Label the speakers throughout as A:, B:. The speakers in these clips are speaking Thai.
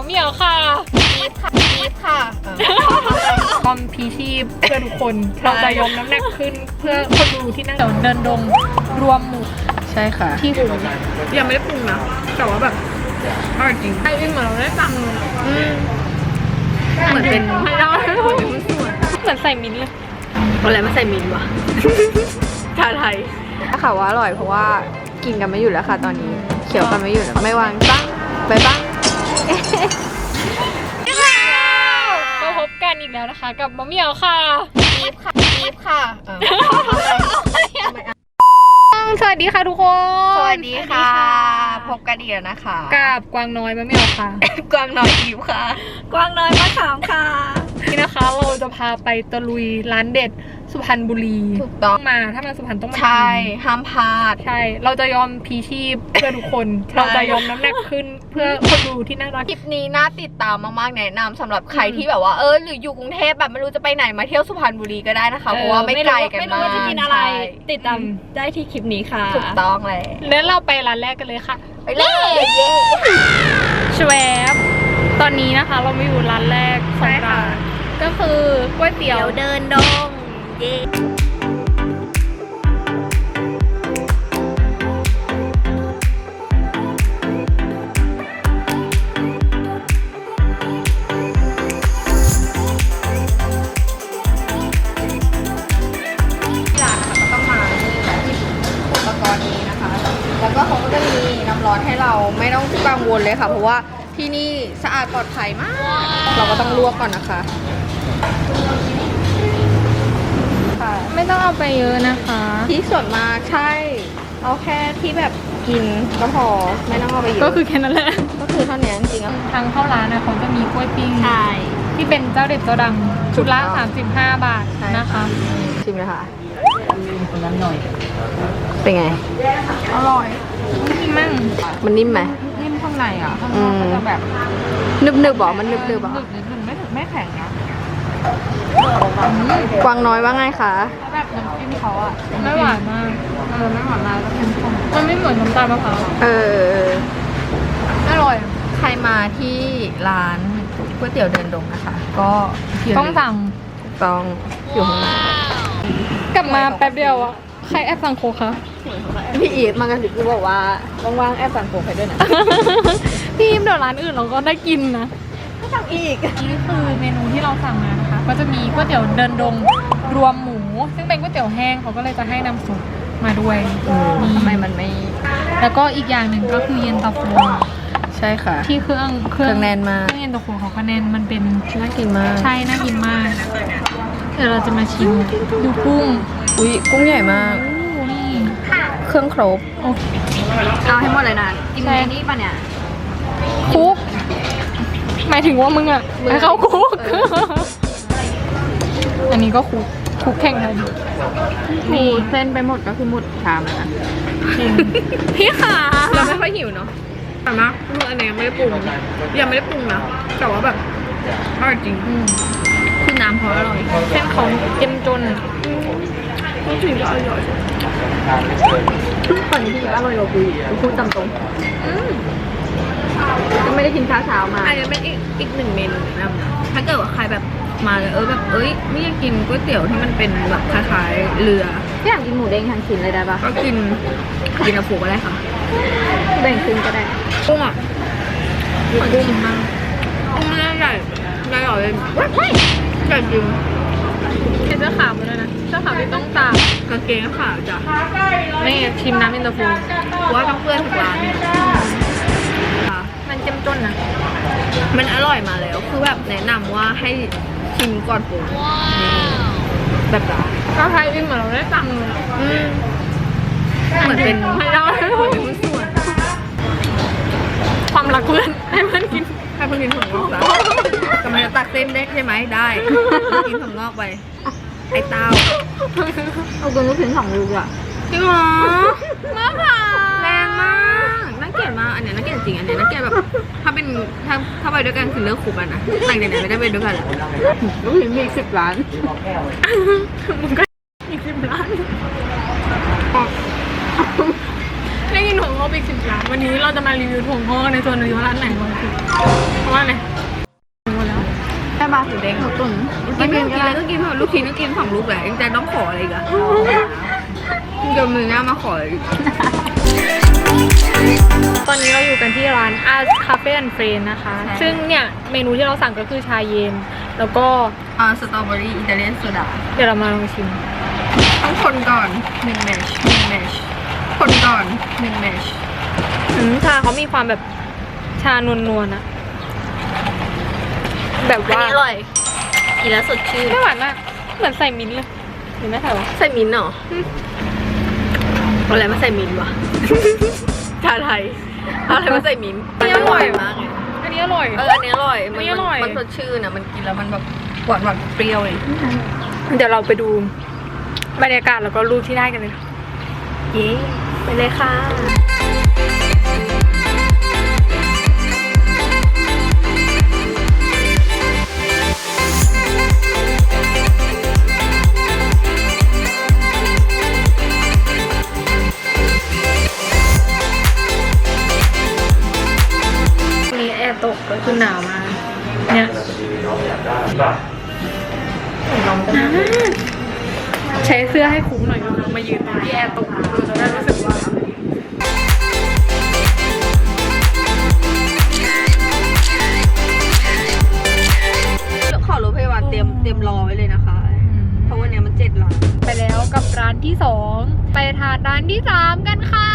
A: เหมียวค่ะความพีชีพเพื่อทุกคนเราจะยกน้ำหนักขึ้นเพื่อคนดูที่นั่งเดินดงรวมหมู่
B: ใช่ค่ะ
A: ที่คุณยังไม่ได้ปรุงนะแต่ว่าแบบอร่อยจริงไอ้เหมือนเราได้ตังค์เหมือนเป็นให้เราเหมือนใส่มิ้นเลยอะไรมาใส่มิ้นวะชาไทย
B: ค่ะว่าอร่อยเพราะว่ากินกันไม่หยุดแล้วค่ะตอนนี้เขียวกันไม่หยุดไม่วางบ้างไปบ้าง
A: ก็พบกันอีกแล้วนะคะกับมะเหมี่ยวค่ะสวัสดีค่ะทุกคน
B: สวัสดีค่ะพบกันอีกแล้วนะคะ
A: กับกวางน้อยมะเหมี่ยวค่ะ
B: กวางน้อยอิ๋วค่ะ
C: กวางน้อยมะขามค่ะ
A: นี่นะคะเราจะพาไปตะลุยร้านเด็ดสุพรรณบุรี
B: ถูกต้อง
A: มาถ้ามาสุพรรณต้องมา
B: ใช่ห้ามพลาด
A: ใช่เราจะยอมพีชีพเพื่อทุกคนเราจะยอมน้ำหนักขึ้นเพื่อคนดูที่น่ารัก
B: คลิปนี้น่าติดตามมากๆแนะนำสำหรับใครที่แบบว่าหรืออยู่กรุงเทพแบบไม่รู้จะไปไหนมาเที่ยวสุพรรณบุรีก็ได้นะคะเพราะว่าไม่ไกลกันมากไม่รู้
C: ว่าจะกินอะไรติดตามได้ที่คลิปนี้ค่ะ
B: ถูกต้องเลย
A: แล้วเราไปร้านแรกกันเลยค่ะ
B: ไปเลย
A: ชวบตอนนี้นะคะเรามาอยู่ร้านแรกของเราก็คือก๋วยเตี๋ยว
C: เดินดงเย้
B: แล้วก็เขาก็จะมีน้ำร้อนให้เราไม่ต้องกังวลเลยค่ะเพราะว่าที่นี่สะอาดปลอดภัยมากเราก็ต้องลวกก่อนนะคะ
A: ไม่ต้องเอาไปเยอะนะคะ
B: ที่ส่วนมากใช่เอาแค่ที่แบบกินก็พอไม่ต้องเอาไปเยอะ
A: ก็คือแค่นั้นแหละ
B: ก็คือเท่านี้จริง
A: ๆทางเข้าร้านนะเขาจะมีกล้วยปิ้ง
B: ใช่
A: ที่เป็นเจ้าเด็ดเจ้าดังชุดละ35 บาทนะคะ
B: ชิมเลยค่ะคนนั้นหน่อยเป็นไง
A: อร่อยนิ่มมั่ง
B: มันนิ่มไหม
A: นิ่มข้างในอ่ะข้างนอกก็จะแบบ
B: นึบๆบอกมันนึบๆบอก
A: ไม่แข็งนะ
B: กวางน้อยว่าไงคะ
A: แบบน้ำจิ้มเขาอ่ะไม่หวานมากไม่หวานมากแล้วเข้มข้นมันไม่เหมือนน้ำตาลมะพร้าวอร่อย
B: ใครมาที่ร้านก๋วยเตี๋ยวเดินดงนะคะก็
A: ต้องสั่ง
B: ต้องอยู่ข้างใน
A: กลับมาแป๊บเดียวอ่ะใครแอบสั่งโคคะ
B: พี่อีฟมากระสิบกูบอกว่าว่างๆแอบสั่งโคไปด้วยนะ
A: พี่อีฟเดี๋ยวร้านอื่นเราก็ได้กินนะ
B: ก็สั่งอีก
A: นี่คือเมนูที่เราสั่งมานะคะก็จะมีก๋วยเตี๋ยวเดินดงรวมหมูซึ่งเป็นก๋วยเตี๋ยวแห้งเขาก็เลยจะให้น้ำซุปมาด้วย
B: ทำไมมันไม่
A: แล้วก็อีกอย่างหนึ่งก็คือเย็นตาโฟ
B: ใช่ค่ะ
A: ที่เครื่อง
B: แน่นมาก
A: เครื่องเย็นตาโฟเขาก็แน่นมันเป็น
B: น่ากินมาก
A: ใช่น่ากินมากเดี๋ยวเราจะมาชิมดูกุ้ง
B: อุ้ยกุ้งใหญ่มากเครื่องครบเอาให้หมดเลยนะกินในนี้ป่ะเนี่ย
A: คุกหมายถึงว่ามึงอ่ะให้เขาคุกอันนี้ก็คุกแข่งกัน
B: มีเส้นไปหมดก็คือหมดชามนะ
A: พี่ขา
B: เราไม่ค่อยหิวเนาะ
A: แต่นะอันนี้ยังไม่ได้ปรุงนะแต่ว่าแบบอร่อยจริง
B: คือน้ำเขาอร่อย
A: เส้นเขาเต็มจน
B: ถึงจะอร่อยตอนนี้ที่อร่อยกว่ากูพูดตามตรงก็ไม่ได้กินเช้ามา
A: อันนี้เป็นอีกหนึ่งเมนูแนะนำนะ
B: ถ้าเกิดว่าใครแบบมาเลยแบบไม่อยากกินก๋วยเตี๋ยวที่มันเป็นแบบคล้ายๆเรืออยากกินหมูเด้งทั้งชิ้นเลยได้ปะ
A: ก็กินอะฟูก็ได้ค่ะ
B: แบ่งครึ่งก็ได้
A: กุ้งอ่ะกุ้งชิ้นมากกุ้งไม่ได้ใหญ่เลยใหญ่จริงเสื้อขาวมาเลยนะเสื้อขาวที่ต้องตากกางเกงขาวจ้ะนี่ชิมน้ำอินเตอร์ฟู
B: ว่าต้องเพื่อนทุกร้าน
A: มันเจ้มจนนะ
B: มันอร่อยมาแล้วคือแบบแนะนำว่าให้ชิมก่อนปรุงแบบร้าน
A: ก็ใครอิ่มเหมือนเราได้ตังค์
B: เหมือนเป็น
A: ให้เราเหมือนเป็นผู้ส่วนความรักเพื่อนให้เพื่อนกิน
B: ถั่วงอกแล้วกำลังจะตักเส้นได้ใช่ไหมได้กินถั่วงอกไปไอ้เต้าเอากินลูกชิ้น2 ลูกอ่ะ
A: จริงเหรอมากค่ะ
B: แรงมากน่าเกลียดมากอันนี้น่าเกลียดจริงอันนี้น่าเกลียดแบบถ้าไปด้วยกันคือเลิกคุกกันนะแต่งไหนไม่ได้ไปด้วยกันเลยลูกชิ้นมี10 ล้าน
A: มึงก็อีก10 ล้านได้ยินหัวงบอีก10 ล้านวันนี้เราจะมารีวิวถั่วงอกในส่วนรีวิวร้านไหนก่อนคือเพราะว่าอะไรหมดแล้ว
B: แม่บาสีแดงเขาตุ๋นกินอะไรก็กินลูกชิ้นก็กิน2 ลูกแหละยังจะต้องขออะไรอีกอะเดี๋ยวมือหน้ามาขออีก
A: ตอนนี้เราอยู่กันที่ร้าน Art Cafe and Friends นะคะ ซึ่งเนี่ยเมนูที่เราสั่งก็คือชาเย็นแล้วก็
B: สตรอเบอรี่อิตาเลียนโซดา
A: เดี๋ยวเรามาลองชิม
B: ต้องคนก่อน1 แมช1 แมชคนก่อน1 แมช
A: ชาเขามีความแบบชานวลๆนะแบบ
C: อัน
A: ว่า
C: นี้อร่อย กินแล้วสดชื่น
A: ไม่หวานมากเหมือนใส่มิ้นท์เลยเห็นไหมคะวะ
C: ใส่มิ้นท์เหรออะไรมาใส่มิ้นท์วะ ชาไทยอะไรมาใส่มิ้นท์
A: อันนี้อร่อย
C: มากเลย
A: อันนี้อร่อย
C: อันนี้อร่อย
A: อันนี้อร่อย
C: มันสดชื่นอ่ะ มันกินแล้วมันแบบหวานเปรี้ยวเลย
A: เดี๋ยวเราไปดูบรรยากาศแล้วก็รูปที่ได้กันเลย
C: เย้ไปเลยค่ะ
A: วันนี้แอร์ตกก็คือหนาวมากเนี่ยใช้เสื้อให้คุ้มหน่อยก็คือมายืนตรงที่แอร์ตกเราจะได้รู้สึกว่า
B: ขอรถพยาบาลเตรียมรอไว้เลยนะคะ เพราะวันนี้มัน7 ล้าน
A: ไปแล้วกับร้านที่2ไปทานร้านที่3กันค่ะ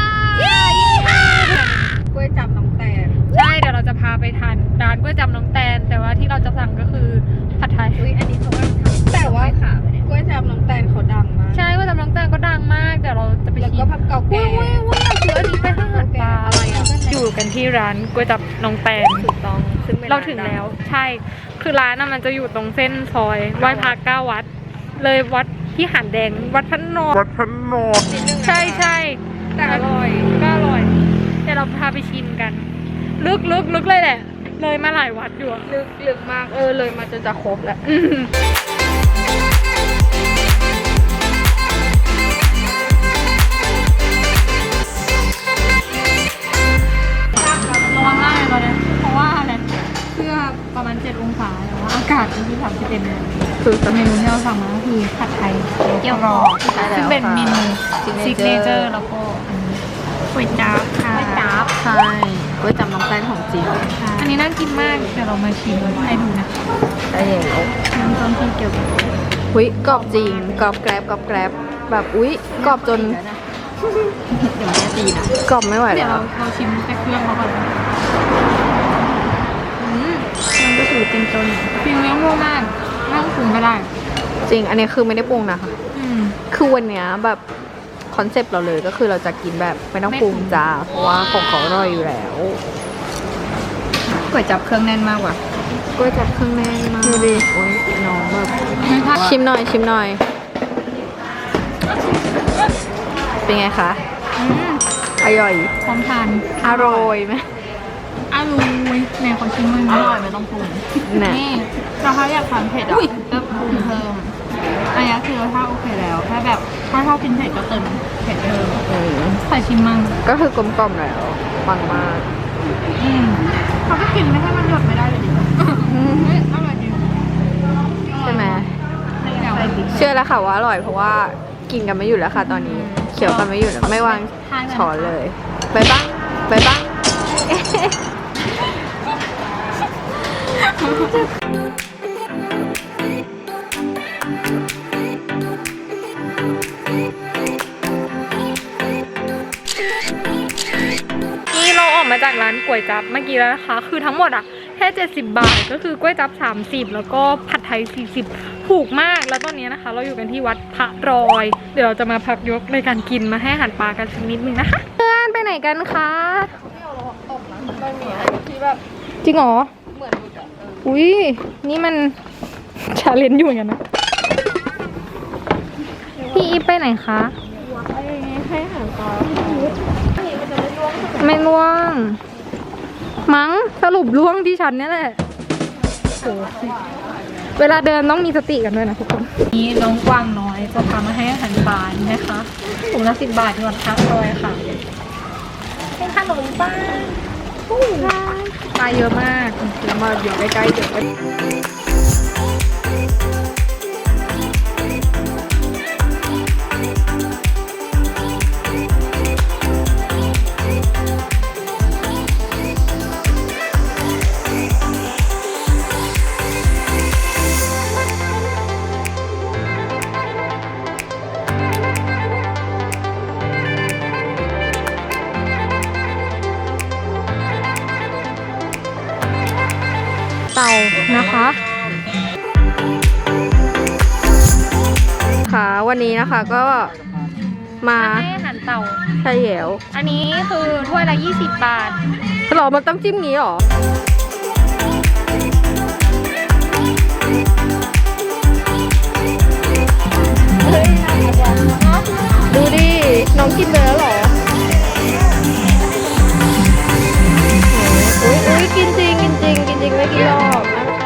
B: กล้วยจับน้องแตน
A: ใช่เดี๋ยวเราจะพาไปทานร้านก๋วยจั๊บน้องแตนแต่ว่าที่เราจะสั่งก็คือผัดไทย
B: อันนี้เขาก็แต่ว่ากล้วยจับน้องแตนเขาดังมาก
A: ใช่ก๋วยจั๊บน้องแตนก็ดังมากเดี๋ยวเราจะไป
B: แล้ว
A: ชิ
B: ก็
A: ม
B: ผักเก่าแก่
A: ว้าวคืออันนี้เป็นอาหารปลาอะไรอ่ะอยู่กันที่ร้านก๋วยจั๊บน้องแตน
B: ถูกต้องซึ่งเป็น
A: เราถึงแล้วใช่คือร้านน่ะมันจะอยู่ตรงเส้นซอยไหว้พระ9 วัด เลยวัดที่หาดแดงวัดพระนอนใช่ใช่
B: แต่อร่อย
A: ก็อร่อยเดี๋ยวเราพาไปชิมกัน ลึกเลยแหละ เลยมาหลายวัดอยู่อะ
B: ลึกมากเลยมาจะครบแล้ว
A: อืมร้อนมากเลยตอนนี้เพราะว่าอะไรเสื้อประมาณ7 องศาแต่ว่าอากาศก็คือ31เลยคือเมนูที่เราสั่งมาก็คือผัดไทยเกี๊ยวกรอบ
B: ใช่แล้ว
A: ซึ่งเป็นเมนู
B: ค่ะ
A: ซิกเนเจอร์แล้วก็ก๋วยจั๊บค่ะ
B: ใช่กล้วยจับน้องแตนของจริง
A: อันนี้น่ากินมากเดี๋ยวเรามาชิมให้ดูนะคะ
B: ได้แล้ว
A: น้ำต้มที่เกี่ยวกับ
B: อุ้ยกรอบจริงกรอบแกรบแบบอุ้ยกรอบจนเดี๋ยวแม่ตีนะกรอบไม่ไหว
A: เดี๋ยว
B: แล้ว
A: เราชิมแต่เครื่องเขาก่อนนะมันก็ถือเป็นจนฟิลเนื้อมั่วมากไม่ต้องปรุงก็ได้
B: จริงอันนี้คือไม่ได้ปรุงนะคะ
A: อืม
B: คือวันเนี้ยแบบคอนเซปต์เราเลยก็คือเราจะกินแบบไม่ต้องปรุงจ้าเพราะว่าของเขาอร่อยอยู่แล้วก๋วยจับเครื่องแน่นมากว่ะก๋วยจับเครื่องแน่นมากดูดิโอ้ยน้องแบบชิมหน่อยเป็นไงคะ
A: อืม
B: อร่อย
A: พร้อมทาน
B: อร่อยไหม
A: อร่อยแม่ขอชิมมันอร่อยไม่ต้องปรุง
B: น่ะ
A: นี่เราถ้าอยากทานเผ็ดอ่ะก็ปรุงเพิ่มอันนี้คือรสชาติโอเคแล้วแค่แบบถ้าชอบกินเผ็ดก็เติมเผ็ดเพิ่ม
B: อืม
A: ใส่ชิมมั่ง
B: ก็คือกลมกล่อมแล้วปังมาก
A: เขาก็กินไม่ให้มันหยดไม่ได้เลยดิเฮ้ยอร่อยจริง
B: ใช่ไหม
A: ใส่ติ๊ก
B: เชื่อแล้วค่ะว่าอร่อยเพราะว่ากินกันไม่หยุดแล้วค่ะตอนนี้เคี้ยวกันไม่หยุดแล้วไม่วางช้อนเลยไปบ้าง
A: นี่เราออกมาจากร้านก๋วยจั๊บเมื่อกี้แล้วนะคะ คือทั้งหมดอ่ะแค่70 บาทก็คือก๋วยจั๊บ30แล้วก็ผัดไทย40ถูกมากแล้วตอนนี้นะคะ เราอยู่กันที่วัดพระรอย เดี๋ยวเราจะมาพักยกในการกินมาให้อาหารปลากันสักนิดนึงนะคะเพื่อนไปไหนกันคะจริงเหรออุ้ยนี่มันชาเลนจ์อยู่เหมือนกันนะพี่อีฟไปไหนคะให้อาหารปลาไม่ล่วงมั้งสรุปล่วงที่ฉันนี่แหละโหเวลาเดินต้องมีสติกันด้วยนะทุกคนนี่น้องกวางน้อยจะพามาให้อาหารปลานะคะถุงละ10 บาทที่วัดพระรอยค่ะ
C: เป็นขนมปัง
B: ปลาเยอะมากแล้วมาอยู่ใกล้ๆเดี๋ยวไปเต่านะคะค่ะวันนี้นะคะก็มา
C: ให้อาหารเต่า
B: ใช่แล้ว
C: อันนี้คือถ้วยละ20 บาท
B: หรอมันต้องจิ้มงี้หรอดูดิน้องกินไปแล้วหรออุ้ยกินจริงไม่กินหรอก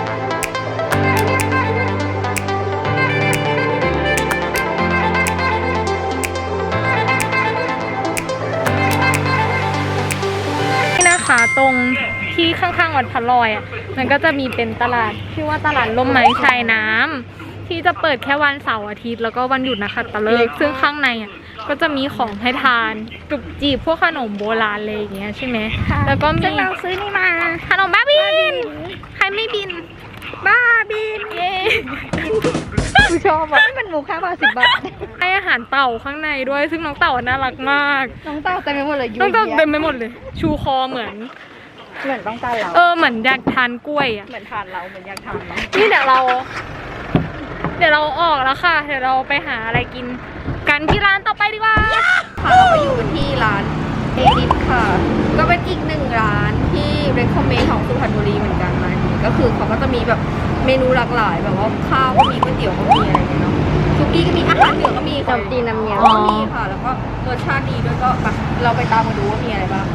C: นี่นะคะตรงที่ข้างๆวัดพระลอยอ่ะมันก็จะมีเป็นตลาดชื่อว่าตลาดร่มไม้ชายน้ำที่จะเปิดแค่วันเสาร์อาทิตย์แล้วก็วันหยุดนะคะตะเลิกซึ่งข้างในอ่ะก็จะมีของให้ทานจุกจีบพวกขนมโบราณอะไรอย่างเงี้ยใช่ไหมแล้วก็มีเราซื้อนี่มาขนมบ้าบินใครไม่บินบ้าบินเย้
B: กูชอบอ่ะมันหมูค่าบาท10 บาท
C: ให้อาหารเต่าข้างในด้วยซึ่งน้องเต่าน่ารักมาก
B: น้องเต่าเต็มไปหมดเลย
C: น้องเต่าเต็มไปหมดเลย ชูคอเหมือน
B: ต้องการเรา
C: เหมือนอยากทานกล้วยอ่ะ
B: เหมือนทานเราเหมือนอยากทานเรา
C: นี่เดี๋ยวเราออกแล้วค่ะเดี๋ยวเราไปหาอะไรกินกันที่ร้านต่อไปดีกว่า
B: ค่ะเราก็อยู่ที่ร้านเอดิฟค่ะ ก็เป็นอีกหนึ่งร้านที่ recommend ของสุพรรณบุรีเหมือนกันร้านนี้ก็คือเขาก็จะมีแบบเมนูหลากหลายแบบว่าข้าวก็มีก๋วยเตี๋ยวก็มีอะไรอย่างเงี้ยเนาะซุกี้ก็มีอาหารเหนือก็มีขนมจีนน้ำเงี้ยวก็มีค่ะ แล้วก็รสชาติดีด้วยก็มาเราไปตามมาดูว่ามีอะไรบ้าง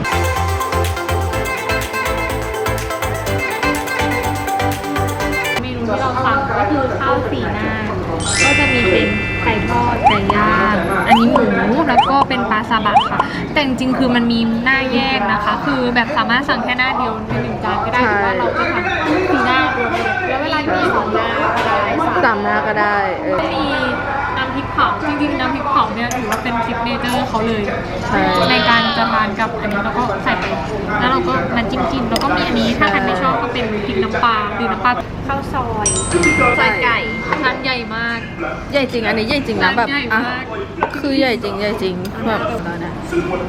C: เมนูที่เราสั่งก็คือข้าวสีหน้าก็จะมีเป็นไก่ทอดไก่ย่างอันนี้หมูแล้วก็เป็นปลาซาบะค่ะแต่จริงๆคือมันมีหน้าแยกนะคะ คือแบบสามารถสั่งแค่หน้าเดียวใน1 จานก็ได้หรือว่าเราจะสั่งสีหน้ารวมเลยแล้วเวลามี2 หน้าก็ได้
B: 3 หน้าก็ได้
C: มีน้ำพริกเผาจริงๆน้ำพริกเผาเนี่ยถือว่าเป็นซิกเนเจอร์เขาเลย
B: ใช่
C: ในการจะทานกับอันนี้เราก็ใส่ไปแล้วเราก็มาจิ้มแล้วก็มีอันนี้ถ้าใครไม่ชอบก็เป็นพริกน้ำปลาหรือน้ำปลาข้าวซอยใส่ไก่ร้านใหญ่มาก
B: ใหญ่จริงอันนี้ใหญ่จริงนะแบบ
C: ใหญ่
B: อ่ะ
C: มาก
B: คือใหญ่จริงแบบตอนนี้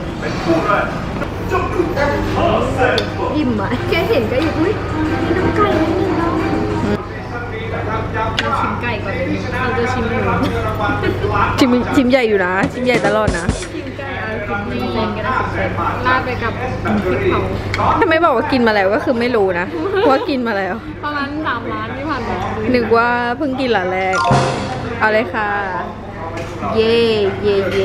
B: อิ่มอ่ะแค่เห็นก็อิ่มอุ้ยมีน้ำไก่นิดนึงเนาะ
C: ชิมไก่ก่อนเลยเราจะชิมหมู
B: ชิมใหญ่อยู่นะชิมใหญ่ตลอดนะ
C: ชิมไก่เอา10%ก็ได้10%ราดไปกับพริกเผา
B: ถ้าไม่บอกว่ากินมาแล้วก็คือไม่รู้นะว่ากินมาแล้ว
C: ประมาณ3 ร้านที่ผ่านมา
B: นึกว่าเพิ่งกินหลานแรกเอาเลยค่ะ เย่เย่เย่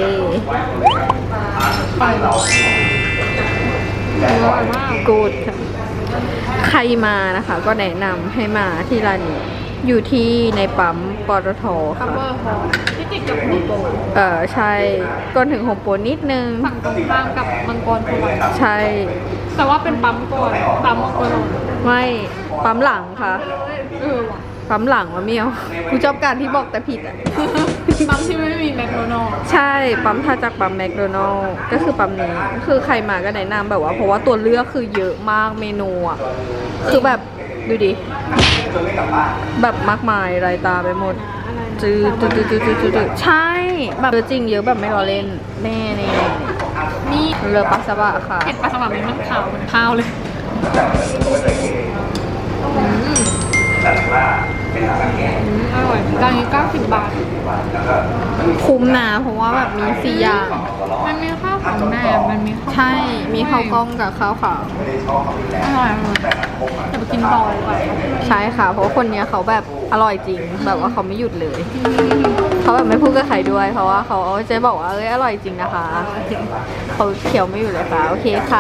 C: อร่อยมาก
B: กูดค่ะใครมานะคะ ก็แนะนำให้มาที่ร้านนี้อยู่ที่ในปั๊มปตท
C: คัม
B: ค่ะ
C: เบอร์ฮอลที่ติดกับโฮมโปร
B: ใช่ก่อนถึงโฮมโปรนิดนึง
C: ฝั่งตรงข้ามกับมังกรโพลอย
B: ใช่
C: แต่ว่าเป็นปั๊มก่อนปั๊มมังกรโพลอย
B: ไม่ปั๊มหลังค่ะ
C: ว่ะ
B: ปั๊มหลังวะเมียวกูชอบการที่บอกแต่ผิดอ่ะ
C: ปั๊มที่ไม่มีแมคโดนัลด์
B: ใช่ปั๊มถ้าจากปั๊มแมคโดนัลล์ก็คือปั๊มนี้คือใครมาก็แนะนำแบบว่าเพราะว่าตัวเลือกคือเยอะมากเมนูอ่ะคือแบบดูดิแบบมากมายรายตาไปหมดจืดใช่แบบเยอะจริงเยอะแบบไม่รอเล่นแน่นี่เรือปัสสาวะค่ะ
C: เห็ดปลาสวายมันขาวเหมือนข้าวเลย อร่อยจานนี้90 บาท
B: คุ้มนะเพราะว่าแบบมี4 อย่าง
C: มันมีข้าวของแหนมมันมีข้าว
B: ใช่มีข้าวกล้องกับข้าวขาว
C: อร่อยจะไปกินต่อเลยก่อน
B: ใช่ค่ะ เพราะว่าคนเนี้ยเขาแบบอร่อยจริง แบบว่าเขาไม่หยุดเลย เขาแบบไม่พูดกับใครด้วย เพราะว่าเขาจะบอกว่าอร่อยจริงนะคะ เขาเคี้ยวไม่อยู่เลยค่ะ โอเคค่ะ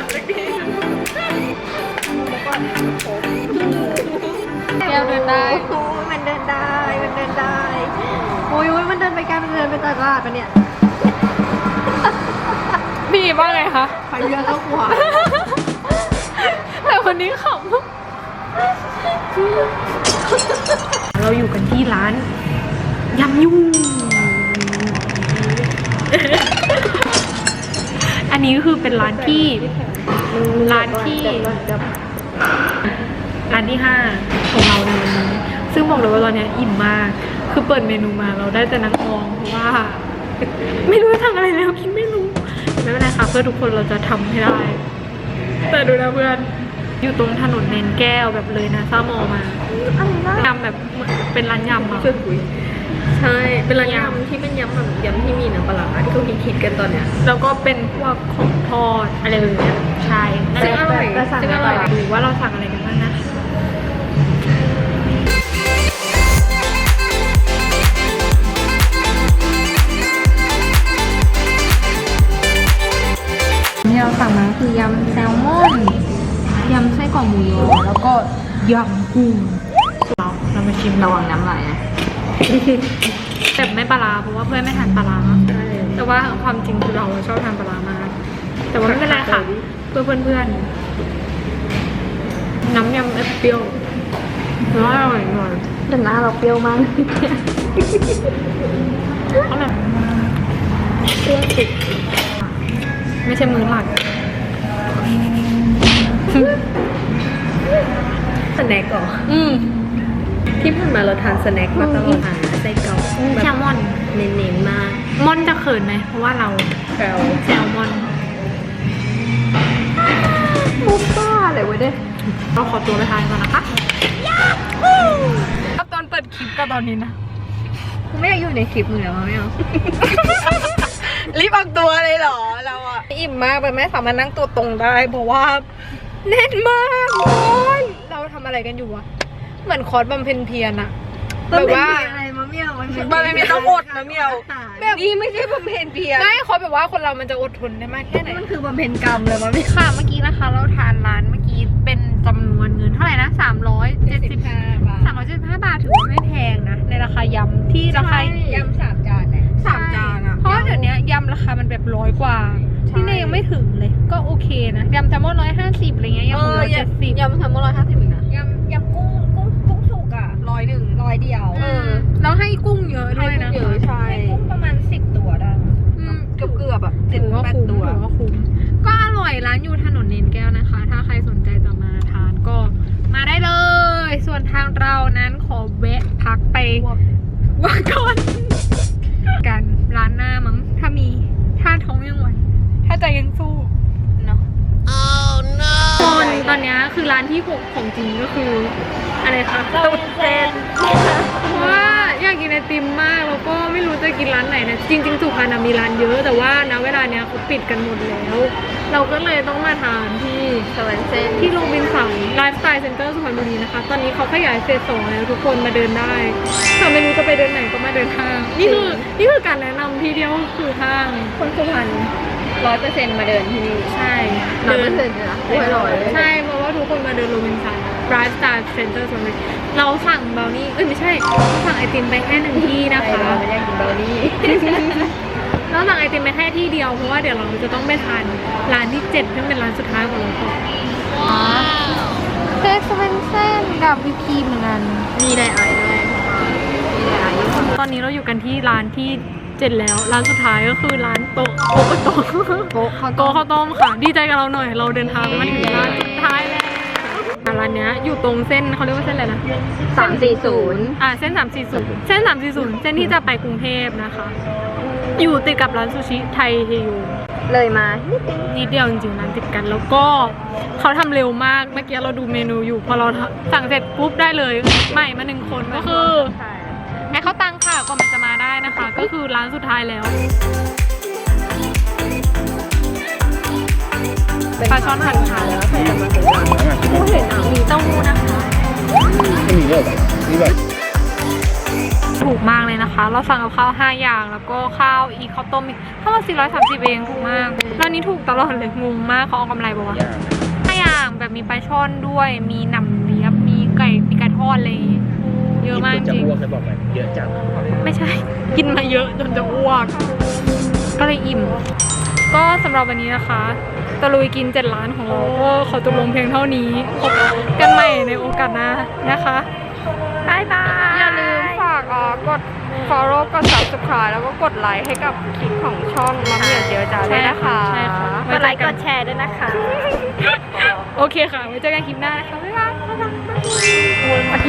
C: แก้วเดินได้
B: โอ้ยมันเดินได้มันเดินได้โอ้ยมันเดินไปไกลมันเดินไปตลาดปะเนี่ย
C: พี่ว่าไงคะ
B: ไปเรือแล้วขวา
C: แต่คนนี้ขำเราอยู่กันที่ร้านยำยุ่ง อันนี้ก็คือเป็นร้านที่5ของเราในวันนี้ซึ่งบอกเลยว่าตอนนี้อิ่มมากคือเปิดเมนูมาเราได้แต่นั่งมองเพราะว่า ไม่รู้จะทำอะไรแล้วคิดไม่รู้ไม่เป็นไรค่ะเพื่อทุกคนเราจะทำให้ได้ แต่ดูนะเพื่อนอยู่ตรงถนนเนนแก้วแบบเลยนะซ่ามอมาทำแบบเป็นร้านยำอะ
B: ใช่เป็นร้านยำที่เป็นยำแบบยำที่มีน้ำปลาร้าที่เขาคิดกันตอนเนี้ย
C: แล้วก็เป็นพวกของทอดอะไรแบบเนี้ยใช่
B: ซึ่งอร่อย
C: ซึ่งอร่อยดูว่าเราสั่งอะไรกันบ้างนะที่เราสั่งมาคือยำแซลมอนยำไส้กรอกหมูยอแล้วก็ยำกุ้งเรามาชิม
B: ระวังน้ำไหลนะ
C: แต่ไม่ปลาร้าเพราะว่าเพื่อนไม่ทานปลาร้าแต่ว่าความจริงคือเราชอบทานปลาร้ามากแต่ว่าไม่เป็นไรค่ะเพื่อเพื่อนๆน้ำยำเปรี้ยวแล้วอร่อยหน่อย
B: แต่หน้าเราเปรี้ยวมาก
C: อร่อยเปรี้ยวสุดไม่ใช่มือหลัก
B: สแน็คก่อ ที่ผ่านมาเราทานสแน็คมาตลอดไส้กรอก
C: แซลมอน
B: เน้นๆมาก
C: มอนจะเขินไหมเพราะว่าเรา แซลมอน
B: มุกบ้าเลยวะเนี่ย
C: เราขอตัวไปทานก่อนนะคะครับตอนเปิดคลิปกับตอนนี้นะ
B: กูไม่อยากอยู่ในคลิปมึงแล้วไม่เอา รีบออกตัวเลยเหรอเราอะ
C: อิ่มมากไปไม่สามารถนั่งตัวตรงได้เพราะว่าแน่นมากโอ้ยเราทำอะไรกันอยู่วะเหมือนคอร์สบำเพ็ญเพียรอะแบบว่า
B: อะไรมะเมี่ยวมัน
C: ไม่ต้องอดนะเมียวแบบ
B: นี่ไม่ใช่บำเพ็ญเพียร
C: ไม่คอร์สแบบว่าคนเรามันจะอดทนได้มากแค่ไหน
B: มันคือบำเพ็ญกรรมเลยมะเมี่ยว
C: ค่ะเมื่อกี้นะคะ เราทานร้านเมื่อกี้เป็นจำนวนเงินเท่าไหร่นะ375 บาทถือว่าไม่แพงนะในราคายำที่ราคาย
B: ำ3 จานเนี่ย3 จานอะ
C: เพราะเดี๋ยวนี้ยำราคามันแบบ100 กว่าที่นี่ยังไม่ถึงเลยก็โอเคนะยำแซลมอน150อะไรเงี้ยยำหมู170
B: ยำแซลมอน150อีกนะยำกุ้งสุกอะ100 เดียว
C: แล้วให้กุ้งเยอะด้วยนะ
B: ให้กุ้งเยอะใช่
C: ให้กุ้งประมาณ10 ตัวได้
B: เกือบแบบ
C: ถือว่าคุ้ม
B: 7-8 ตัว
C: ถือว่าคุ้มก็อร่อยร้านอยู่ถนนเนนแก้วนะคะ ถ้าใครสนใจจะมาทานก็มาได้เลย ส่วนทางเรานั้นขอแวะพักไปว่าก่อนกันร้านหน้ามั้งถ้ามีถ้าท้องยังไหวถ้าใจยังสู้เนาะตอนนี้คือร้านที่ของจริงก็คืออะไรคะตุ๊ดเซนเพราะว่าอยากกินไอติมมากแล้วก็ไม่รู้จะกินร้านไหนนะจริงๆสุพรรณมีร้านเยอะแต่ว่าณเวลาเนี้ยเขาปิดกันหมดแล้ว เราก็เลยต้องมาทานที่
B: สวรรค์เซน
C: ที่โรงบินสังไลฟ์สไตล์เซ็นเตอร์สุพรรณบุรีนะคะตอนนี้เขาขยายเฟส 2แล้วทุกคนมาเดินได้ถ้าไม่รู้จะไปเดินไหนก็มาเดินห้างนี่คือการแนะนำที่เดียวคือห้าง
B: คนสุพรรณ100%มาเดินที่นี่
C: ใช่
B: 100%เลยนะอร่อยเลย
C: ใช่เพราะว่าทุกคนมาเดินโรบินสันไลฟ์สไตล์เซ็นเตอร์สุพรรณบุรีเราสั่งเบลนี่ไม่ใช่สั่งไอติมไปแค่1 ที่นะคะ
B: เราไม่ได้กินเบอร์นี่
C: เราสั่งไอติมไปแค่ที่เดียวเพราะว่าเดี๋ยวเราจะต้องไปทานร้านที่7ซึ่งเป็นร้านสุดท้ายของเราก่อนเซสเวนเซนกับวิพีเหมือนกัน
B: มีไดไอด้วยมีไดไออยู่
C: ตอนนี้เราอยู่กันที่ร้านที่7แล้วร้านสุดท้ายก็คือร้านโต๊ะโต๊ะ
B: โป๊ะข้าว
C: โต๊ะข้าวต้มค่ะดีใจกับเราหน่อยเราเดินทางมาถึงร้านสุดท้ายแล้วร้านเนี้ยอยู่ตรงเส้นเขาเรียกว่าเส้นอะไรนะ
B: 340
C: เส้น340เส้น340เส้นที่จะไปกรุงเทพนะคะ อยู่ติดกับร้านซูชิไทยเฮโย
B: เลยมา
C: นิดเดียวจริงๆร้านติดกันแล้วก็เขาทำเร็วมากเมื่อกี้เราดูเมนูอยู่พอเราสั่งเสร็จปุ๊บได้เลยใหม่มา1 คนก็คือให้เขาตังค่ะกว่ามันจะมาได้นะคะ ก็คือร้านสุดท้ายแล้วปลาช่อนหั่นค่ะ
B: ผู้เห็นมีเต้าหู้นะคะ
D: ไม่มีเยอะแบบนี่แบบ
C: ถูกมากเลยนะคะ เราสั่งกับข้าว5อย่างแล้วก็ข้าวอีกข้าวต้มอีกทั้งหมด430เองถูกมากร้านนี้ถูกตลอดเลยงงมากเขาเอากำไรบอกว่า5อย่างแบบมีปลาช่อนด้วยมีหนำเลียบมีไก่ทอดอะไรอย่างงี้เยอะมากจริง
D: จะอ้วกจะบอกเลยเยอะจัง
C: ไม่ใช่ กินมาเยอะจนจะอ้วก ก็เลยอิ่ม ก็สำหรับวันนี้นะคะตะลุยกิน7 ร้านของเราก็ขอจบลงเพียงเท่านี้พบกันใหม่ในโอกาสหน้านะคะบายบาย
B: อย่าลืมฝากกด follow กด subscribe แล้วก็กดไลค์ให้กับคลิปของช่องมัมมี่เจียวจ้าด้วยนะคะ
C: ใช่ค่ะ
A: กดไลค์กดแชร์ด้วยนะคะ
C: โอเคค่ะ ไว้เจอกันคลิปหน้านะคะ บ๊ายบาย